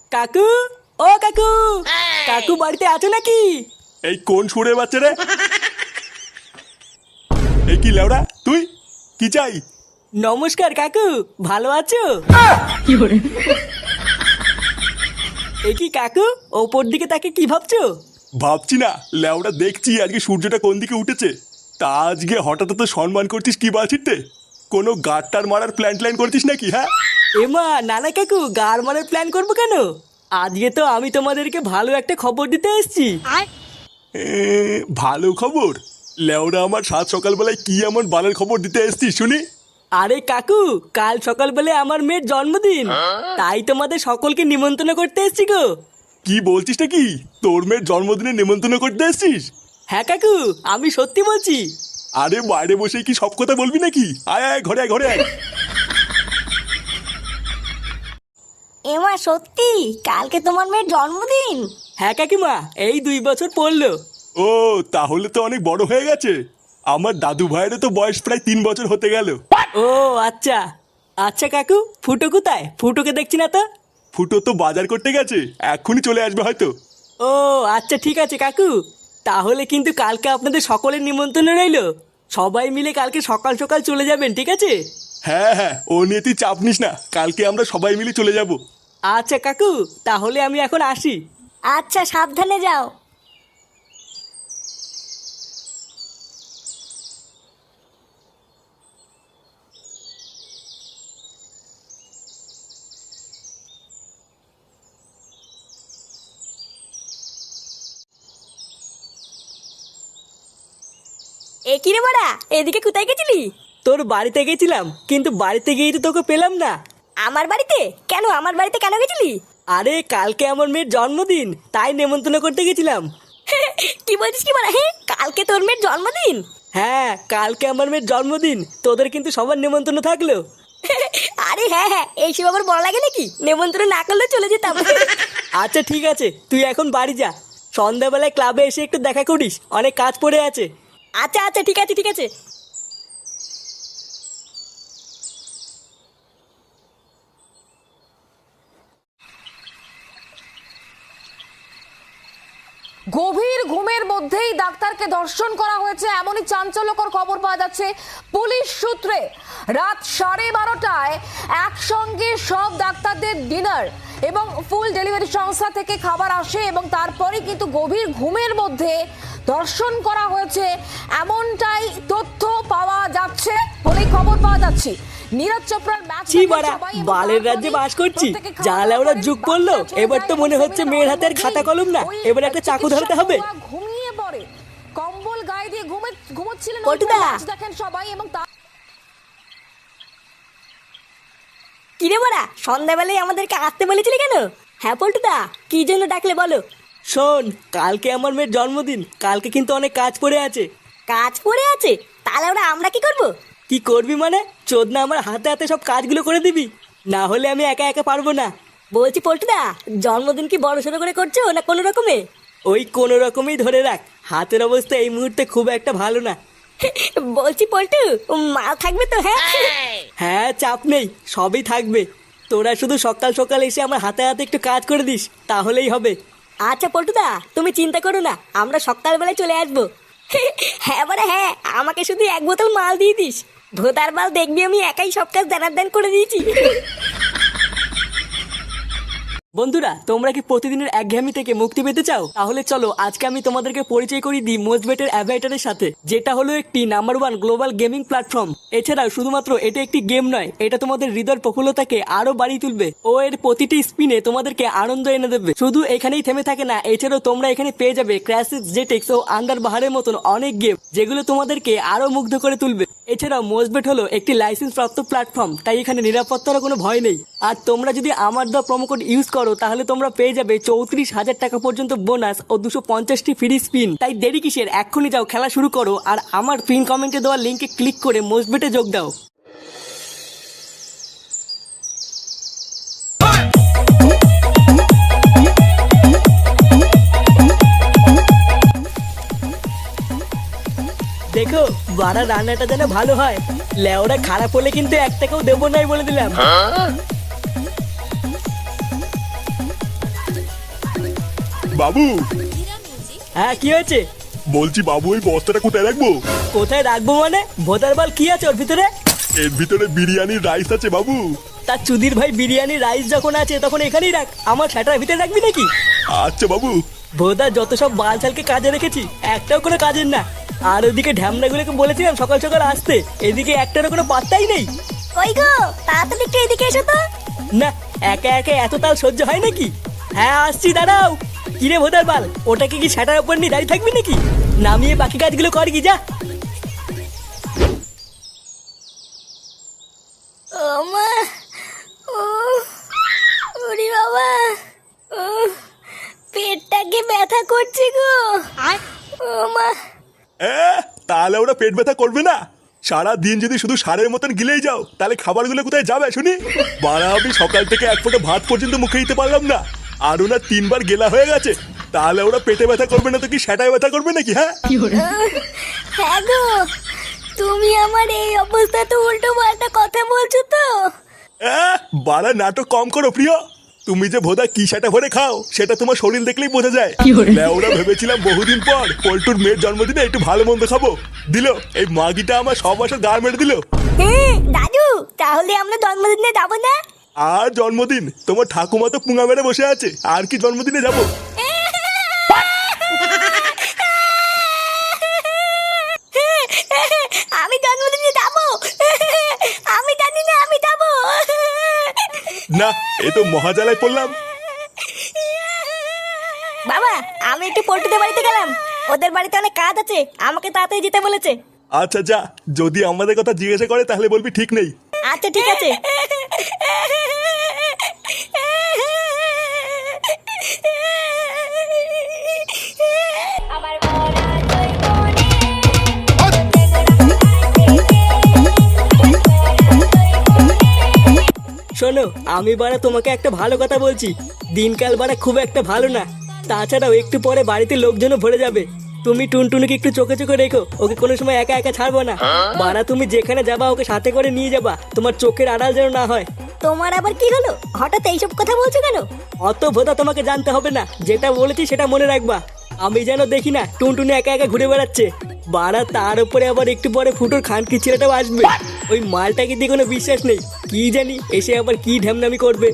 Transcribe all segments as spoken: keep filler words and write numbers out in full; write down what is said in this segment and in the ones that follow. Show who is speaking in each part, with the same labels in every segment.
Speaker 1: কাকু, ও কাকু, কাকু বাড়িতে আছো নাকি?
Speaker 2: এই কোন সুরে বাচ্চা রে? এই কি লেওড়া তুই? কি চাই?
Speaker 1: নমস্কার কাকু, ভালো আছো? এ কি কাকু, ওপর দিকে তাকে কি ভাবছো?
Speaker 2: ভাবছি না লেওড়া, দেখছি আজকে সূর্যটা কোন দিকে উঠেছে। তা আজকে হঠাৎ তো সম্মান করছিস কি বাছিতে? কোনো গাড়টার মারার প্ল্যান ট্ল্যান করছিস নাকি? হ্যাঁ
Speaker 1: এমা নানা কাকু, গার মারার প্ল্যান করবো কেন? আজকে তো আমি তোমাদেরকে ভালো একটা খবর দিতে এসেছি।
Speaker 2: এ, ভালো খবর? লেওড়া, আমার সাত সকালবেলায় কি এমন বালের খবর দিতে এসছিস শুনি?
Speaker 1: আরে কাকু, কাল সকালবেলা আমার মেয়ের জন্মদিন, তাই তোমাদের সকলকে নিমন্ত্রণ করতে এসেছি গো।
Speaker 2: কি বলছিস নাকি? তোর মেয়ের জন্মদিনে নিমন্ত্রণ করতে এসছিস?
Speaker 1: হ্যাঁ কাকু, আমি সত্যি বলছি।
Speaker 2: আরে বাইরে বসে কি সব কথা বলবি নাকি? আয় আয়, ঘরে আয়, ঘরে আয়।
Speaker 3: এমা সত্যি কালকে তোমার মেয়ের জন্মদিন?
Speaker 1: হ্যাঁ কাকিমা, এই দুই বছর পড়লো।
Speaker 2: ও, তাহলে তো অনেক বড় হয়ে গেছে। আমার দাদু ভাইয়েরও তো বয়স প্রায় তিন বছর হতে গেল।
Speaker 1: ও আচ্ছা। আচ্ছা কাকু, ফুটো কোথায়? ফুটোকে দেখছি না তো।
Speaker 2: ফুটো তো বাজার করতে গেছে, এক্ষুনি চলে আসবে হয়তো।
Speaker 1: ও আচ্ছা, ঠিক আছে কাকু, তাহলে কিন্তু কালকে আপনাদের সকলের নিমন্ত্রণ রইলো। সবাই মিলে কালকে সকাল সকাল চলে যাবেন, ঠিক আছে?
Speaker 2: হ্যাঁ হ্যাঁ, ও নিয়ে তুই চাপ নিস না, কালকে আমরা সবাই মিলে চলে যাব।
Speaker 1: আচ্ছা কাকু, তাহলে আমি এখন আসি।
Speaker 3: আচ্ছা, সাবধানে যাও। এ কি রে বড়া, এদিকে কোথায় গেছিলি?
Speaker 1: তোর বাড়িতে গেছিলাম, কিন্তু বাড়িতে গিয়ে তো তোকে পেলাম না।
Speaker 3: আমার বাড়িতে কেন? আমার বাড়িতে কেন গেছিলি?
Speaker 1: আরে কালকে আমার মেয়ের জন্মদিন, তাই নেমন্তন্ন করতে গেছিলাম।
Speaker 3: কি বলছিস কি বড়া? হ্যাঁ, কালকে তোর মেয়ের জন্মদিন?
Speaker 1: হ্যাঁ, কালকে আমার মেয়ের জন্মদিন, তোদের কিন্তু সবার নেমন্তন্ন থাকলো।
Speaker 3: আরে হ্যাঁ হ্যাঁ, এইসব আবার বড় লাগে নাকি? নেমন্ত্রণ না করলে চলে যেতাম।
Speaker 1: আচ্ছা ঠিক আছে, তুই এখন বাড়ি যা। সন্ধ্যাবেলায় ক্লাবে এসে একটু দেখা করিস, অনেক কাজ পড়ে আছে।
Speaker 3: আচ্ছা আচ্ছা, ঠিক আছে ঠিক আছে।
Speaker 4: গভীর ঘুমের মধ্যেই ডাক্তারকে ধর্ষণ করা হয়েছে, এমনই চাঞ্চল্যকর খবর পাওয়া যাচ্ছে পুলিশ সূত্রে। রাত সাড়ে বারোটায় একসঙ্গে সব ডাক্তারদের ডিনার এবং ফুল ডেলিভারি সংস্থা থেকে খাবার আসে এবং তারপরে কিন্তু গভীর ঘুমের মধ্যে ধর্ষণ করা হয়েছে, এমনটাই তথ্য পাওয়া যাচ্ছে বলেই খবর পাওয়া যাচ্ছে। নীরজ চোপড়ার ম্যাচ
Speaker 1: ছি বাড়া, বালের রাজ্যে বাস করছি। জালে ওরা যুগ পড়লো, এবার তো মনে হচ্ছে মেয়ের হাতে আর খাতা কলম না, এবার একটা চাকু ধরতে হবে।
Speaker 4: ঘুমিয়ে পড়ে, কম্বল গায়ে দিয়ে ঘুমে ঘুমোচ্ছিলেন।
Speaker 3: পল্টুদা!
Speaker 4: দেখেন সবাই এবং তার
Speaker 3: কি রে বড়া, সন্ধ্যাবেলায় আমাদেরকে আসতে বলেছিলি কেন? হ্যাঁ পল্টুদা, কি জন্য ডাকলে বলো?
Speaker 1: শোন, কালকে আমার মেয়ের জন্মদিন, কালকে কিন্তু অনেক কাজ পড়ে আছে।
Speaker 3: কাজ পড়ে আছে? তাহলে ওরা আমরা কি করব?
Speaker 1: কি করবি মানে? চোদনা আমার হাতে হাতে সব কাজগুলো করে দিবি, না হলে আমি একা একা পারবো না।
Speaker 3: বলছি পল্টুদা, জন্মদিন কি বড় সড়ো করে করছো না কোনো রকমে?
Speaker 1: ওই কোনো রকমই ধরে রাখ, হাতের অবস্থা এই মুহূর্তে খুব একটা ভালো না।
Speaker 3: বলছি পল্টু, মাল থাকবে তো? হ্যাঁ
Speaker 1: হ্যাঁ, চাপ নেই, সবই থাকবে। তোরা শুধু সকাল সকাল এসে আমার হাতে হাতে একটু কাজ করে দিস, তাহলেই হবে।
Speaker 3: আচ্ছা পল্টুদা, তুমি চিন্তা করো না, আমরা সকালবেলায় চলে আসবো। হ্যাঁ বড়া হ্যাঁ, আমাকে শুধু এক বোতল মাল দিয়ে দিস। ভোতার মাল দেখবি আমি একাই সব কাজ দানার দান করে দিয়েছি।
Speaker 1: বন্ধুরা, তোমরা কি প্রতিদিনের একঘেয়েমি থেকে মুক্তি পেতে চাও? তাহলে চলো আজকে আমি তোমাদেরকে পরিচয় করিয়ে দিই মোজবেটের অ্যাভাইটারের সাথে, যেটা হলো একটি number one global gaming platform. এছাড়াও শুধুমাত্র এটা একটি গেম নয়, এটা তোমাদের হৃদয়ের প্রফুল্লতাকে আরো বাড়িয়ে তুলবে ও এর প্রতিটি স্পিনে তোমাদেরকে আনন্দ এনে দেবে। শুধু এখানেই থেমে থাকে না, এছাড়াও তোমরা এখানে পেয়ে যাবে ক্র্যাশিস, জেটেক্স ও আন্ডার বাহারের মতন অনেক গেম, যেগুলো তোমাদেরকে আরো মুগ্ধ করে তুলবে। এছাড়াও মোজবেট হলো একটি লাইসেন্স প্রাপ্ত প্ল্যাটফর্ম, তাই এখানে নিরাপত্তার কোনো ভয় নেই। আর তোমরা যদি আমার দেওয়া প্রোমো কোড ইউজ করো, তাহলে তোমরা পেয়ে যাবে চৌত্রিশ হাজার টাকা পর্যন্ত বোনাস ও দুশো পঞ্চাশটি ফ্রি স্পিন। তাই দেরি কিসের, এক্ষুনি যাও খেলা শুরু করো আর আমার পিন কমেন্টে দেওয়া লিঙ্কে ক্লিক করে মোজবেটে যোগ দাও। দেখো বাড়া, রান্নাটা যেন ভালো হয়। লেওরা খারাপ হলে কিন্তু এক টাকাও দেবো নাই বলে দিলাম।
Speaker 2: বাবু,
Speaker 1: হ্যাঁ কি হয়েছে?
Speaker 2: বলছি বাবু ওই বস্তাটা কোথায় রাখবো?
Speaker 1: কোথায় রাখবো মানে? ভোদার বাল কি আছে ওর ভিতরে?
Speaker 2: এর ভিতরে বিরিয়ানির রাইস আছে বাবু।
Speaker 1: তার চুদির ভাই বিরিয়ানি রাইস যখন আছে তখন এখানেই রাখ, আমার সেটার ভিতরে রাখবি নাকি?
Speaker 2: আচ্ছা বাবু।
Speaker 1: ভোদা যত সব বালছালকে কাজে রেখেছি একটাও কোনো কাজের না। আর ওদিকে ঢ্যামনাগুলোকে বলেছিলাম সকাল সকাল আসতে, এদিকে একটারও কোনো পাত্তাই নেই।
Speaker 3: কই গো, তাড়াতাড়ি একটু এদিকে এসো তো।
Speaker 1: না, একা একা এত তাল সহ্য হয় নাকি? হ্যাঁ আসছি, দাঁড়াও। কিরে ভোদার বাল, ওটাকে কি সেটার উপর নিয়ে দাঁড়িয়ে থাকবি নাকি? নামিয়ে বাকি কাজগুলো কর কি, যা।
Speaker 3: ও মা, ও ওরে বাবা, ও পেটটাকে ব্যথা করছে গো। ও মা,
Speaker 2: এ, তাহলে ওরা পেট ব্যথা করবে না? সারা দিন যদি শুধু সারের মতন গিলেই যাও তাহলে খাবারগুলো কোথায় যাবে শুনি? বাড়া, আমি সকাল থেকে এক ফোঁটা ভাত পর্যন্ত মুখে দিতে পারলাম না, আর ওনার তিনবার গেলা হয়ে গেছে। তাহলে ওরা পেটে ব্যথা করবে না তো কি সেটাই ব্যথা করবে নাকি? হ্যাঁ
Speaker 3: হ্যাঁ গো, তুমি আমার এই অবস্থাতে উল্টো পাল্টা কথা বলছো তো।
Speaker 2: এ, বাড়া নাটক কম করো প্রিয়। তুমি যে ভোদা কি সেটা ভরে খাও সেটা তোমার শরীর দেখলেই বোঝা যায়। ওরা ভেবেছিলাম বহুদিন পর পল্টুর মেয়ের জন্মদিনে একটু ভালো মন্দ খাবো, দিল এই মাগিটা আমার সব বছর গা মেরে দিল।
Speaker 3: হ্যাঁ দাদু, তাহলে আমরা জন্মদিনে যাবো না?
Speaker 2: আর জন্মদিন? তোমার ঠাকুমা তো পুঙা মেরে বসে আছে, আর কি জন্মদিনে যাবো?
Speaker 3: আমি জন্মদিনে যাবো, আমি জানি না আমি যাবো।
Speaker 2: না, এ তো মহাজালায় পড়লাম।
Speaker 3: বাবা, আমি একটু পল্টুদের বাড়িতে গেলাম, ওদের বাড়িতে অনেক কাজ আছে, আমাকে তাড়াতাড়ি যেতে বলেছে।
Speaker 2: আচ্ছা যা, যদি আমাদের কথা জিজ্ঞাসা করে তাহলে বলবি ঠিক নেই।
Speaker 3: আচ্ছা ঠিক আছে।
Speaker 1: শোনো, আমি বাড়া তোমাকে একটা ভালো কথা বলছি, দিনকাল বাড়া খুব একটা ভালো না। তাছাড়াও একটু পরে বাড়িতে লোকজনও ভরে যাবে। তুমি টুনটুনিকে একটু চোখে চোখে রেখো, ওকে কোনো সময় একা একা ছাড়বো না। বাড়া তুমি যেখানে যাবা ওকে সাথে করে নিয়ে যাবা, তোমার চোখের আড়াল যেন না হয়।
Speaker 3: তোমার আবার কি হলো, হঠাৎ এইসব কথা বলছো কেন?
Speaker 1: অত ভোদা তোমাকে জানতে হবে না, যেটা বলেছি সেটা মনে রাখবা। আমি যেন দেখি না টুনটুনি একা একা ঘুরে বেড়াচ্ছে। বাড়া তার উপরে আবার একটু পরে ফুটোর খানকি ছেলেটাও আসবে। ওই মালটাকে দিয়ে কোনো বিশ্বাস নেই, কি জানি এসে আবার কি ঢ্যামনামি করবে।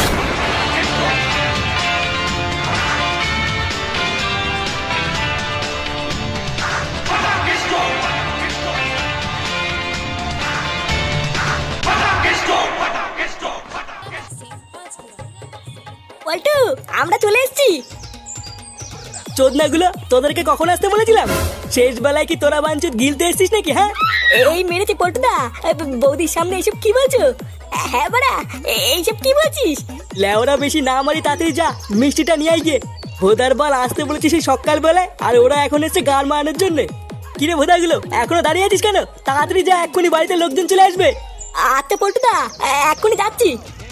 Speaker 3: পল্টু, আমরা চলে এসেছি।
Speaker 1: চোদনাগুলো, তোদেরকে কখন আসতে বলেছিলাম? শেষ বেলায় কি তোরা বাঞ্চুত গিলতে এসছিস নাকি? হ্যাঁ
Speaker 3: এই মেরেছে পল্টুদা, বৌদির সামনে এইসব কি বলছো? হ্যাঁ বাড়া, এইসব কি বলছিস?
Speaker 1: লেওরা বেশি না মারি, তাড়াতাড়ি যা মিষ্টিটা নিয়ে আই গিয়ে। ভোদার বাল আসতে বলেছিস সেই সকাল বেলায়, আর ওরা এখন এসছে গান মারানোর জন্য। কিরে ভোদাগুলো, এখনো দাঁড়িয়ে আছিস কেন? তাড়াতাড়ি যা, এক্ষুনি বাড়িতে লোকজন চলে আসবে।
Speaker 3: আচ্ছা পল্টুদা, এক্ষুনি যাচ্ছি।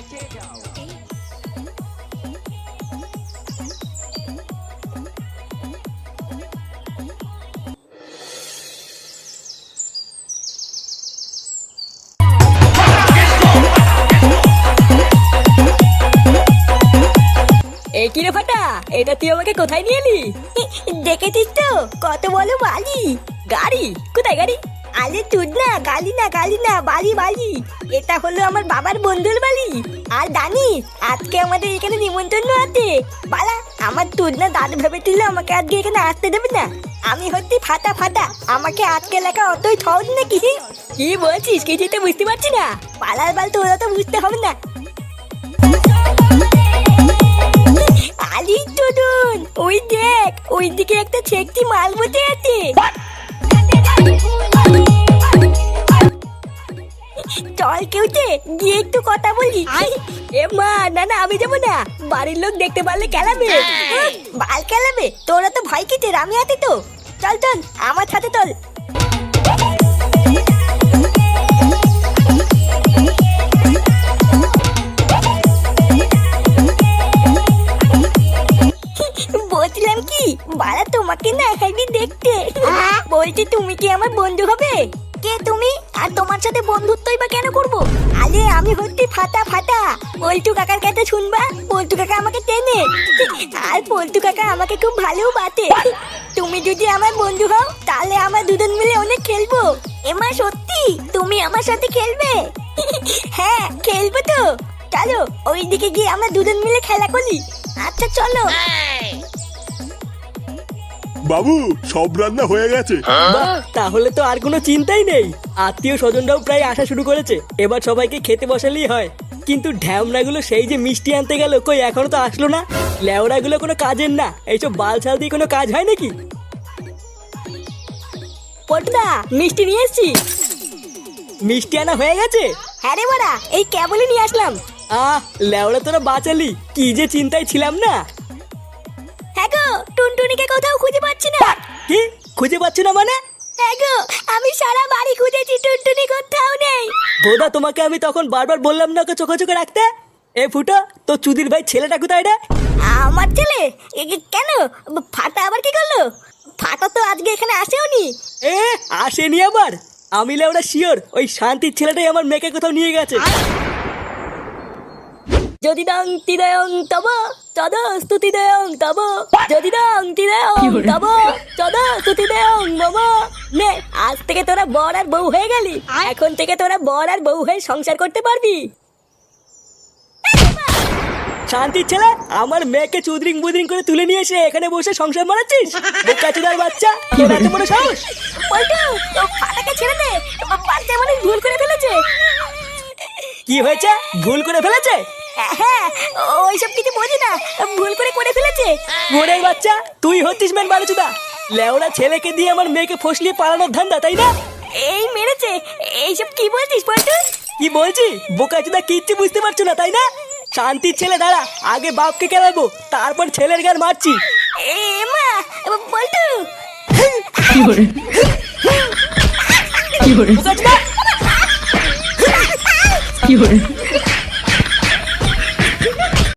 Speaker 1: এই কিরে ফাটা, এটা তুই আমাকে কোথায় নিয়ে এলি?
Speaker 3: দেখেছিস তো কত বলো বালি।
Speaker 1: গাড়ি? কোথায় গাড়ি?
Speaker 3: আরে তুই না, গালি না গালি না, বালি বালি। এটা হলো আমার বাবার বন্ধুর বাড়ি। আর জানিস আজকে আমাদের এখানে নিমন্ত্রণ আছে। বালা, আমার তুই না দাদু ভেবেছিল আমাকে আজকে এখানে আসতে দেবে না। আমি হচ্ছি ফাটা ফাটা, আমাকে আজকে লেখা অতই সহজ নাকি?
Speaker 1: কি বলছিস, কিছুই তো বুঝতে পারছি না।
Speaker 3: পালার বাল তোরা তো বুঝতে হবে না। আলি টুডুন, ওই দেখ, ওই দিকে একটা ছেকটি মাল বসে আছে। চল কেউতে গিয়ে একটু কথা বলি।
Speaker 1: এ মা, না না আমি যাবো না, বাড়ির লোক দেখতে পারলে খেলাবে।
Speaker 3: বাল খেলাবে? তোরা তো ভয় কিসের, আমি আছি তো। চল চল আমার সাথে চল। বলছিলাম কি, বাড়া তোমাকে না একাই দেখতে বলছি, তুমি কি আমার বন্ধু হবে? কে তুমি? আর তোমার সাথে বন্ধুত্বই বা কেন করবো? আরে আমি হচ্ছি ফাটা ফাটা। পল্টু কাকার কাছে শুনবা, পল্টু কাকা আমাকে টেনে, আর পল্টু কাকা আমাকে খুব ভালো বাতে। তুমি যদি আমার বন্ধু হও তাহলে আমরা দুজন মিলে অনেক খেলবো। এমা সত্যি তুমি আমার সাথে খেলবে? হ্যাঁ খেলবো তো। চলো ওইদিকে গিয়ে আমরা দুজন মিলে খেলা করি। আচ্ছা চলো।
Speaker 2: বাবু সব রান্না হয়ে গেছে।
Speaker 1: বাহ, তাহলে তো আর কোনো চিন্তাই নেই। আত্মীয় স্বজনরাও প্রায় আসা শুরু করেছে, এবার সবাইকে খেতে বসালেই হয়। কিন্তু ঢ্যামনাগুলো সেই যে মিষ্টি আনতে গেল, কই এখনো তো আসলো না। লেওড়াগুলো কোনো কাজের না, এইসব বালছাল দিয়ে কোনো কাজ হয় নাকি?
Speaker 3: পটুদা মিষ্টি নিয়ে এসছি।
Speaker 1: মিষ্টি আনা হয়ে গেছে?
Speaker 3: হ্যাঁ রে বড়া, এই কেবলই নিয়ে আসলাম।
Speaker 1: আহ লেওড়া তোরা বাঁচালি, কি যে চিন্তায় ছিলাম না।
Speaker 3: হ্যাঁ গো, টুনটুনিকে কোথাও খুঁজে পাচ্ছি না।
Speaker 1: কি খুঁজে পাচ্ছ না মানে?
Speaker 3: হ্যাঁ গো, আমি সারা বাড়ি খুঁজেছি, টুনটুনি কোথাও নেই।
Speaker 1: বোধা তোমাকে আমি তখন বারবার বললাম না ওকে চোখে চোখে রাখতে। এ ফুটো, তো চুদির ভাই ছেলেটা কোথায় রে?
Speaker 3: আমার ছেলে? এ কে- কেন? ফাটা আবার কি করলো? ফাটা তো আজকে এখানে আসেওনি।
Speaker 1: এ আসেনি আবার? আমি লেওড়া শিওর ওই শান্তির ছেলেটাই আমার মেয়েকে কোথাও নিয়ে গেছে।
Speaker 3: যদি দং তিদয়ং তব তদ স্তুতি দেয়ং তব, যদি দং তিদয়ং তব তদ স্তুতি দেয়ং মম। নে আজ থেকে তোরা বর আর বউ হয়ে গেলি। এখন থেকে তোরা বর আর বউ হয়ে সংসার করতে পারবি।
Speaker 1: শান্তির ছেলে, আমার মেয়েকে চুদরিং বুদরিং করে তুলে নিয়ে এসে এখানে বসে সংসার মারাচ্ছিস? বোকাচোদার বাচ্চা, তোর এত বড় সাহস!
Speaker 3: পল্টু, ও ফাটাকে ছেড়ে দে, বাচ্চা মানুষ ভুল করে ফেলেছে।
Speaker 1: কি হয়েছে? ভুল করে ফেলেছে?
Speaker 3: হ্যাঁ, ওইসব কিছু বোঝে না, ভুল করে করে ফেলেছে।
Speaker 1: মোড়ের বাচ্চা, তুই হচ্ছিস মেন বালুচুদা। লেওড়া ছেলেকে দিয়ে আমার মেয়েকে ফসলিয়ে পালানোর ধান্দা, তাই না?
Speaker 3: এই মেরেছে, এইসব কি বলছিস পল্টু?
Speaker 1: কি বলছি? বোকাচুদা কিচ্ছু বুঝতে পারছো না, তাই না? শান্তির ছেলে দাঁড়া, আগে বাপকে কেলাবো, তারপর ছেলের গান মারছি।
Speaker 3: এ মা, পল্টু
Speaker 1: বোকাচুদা!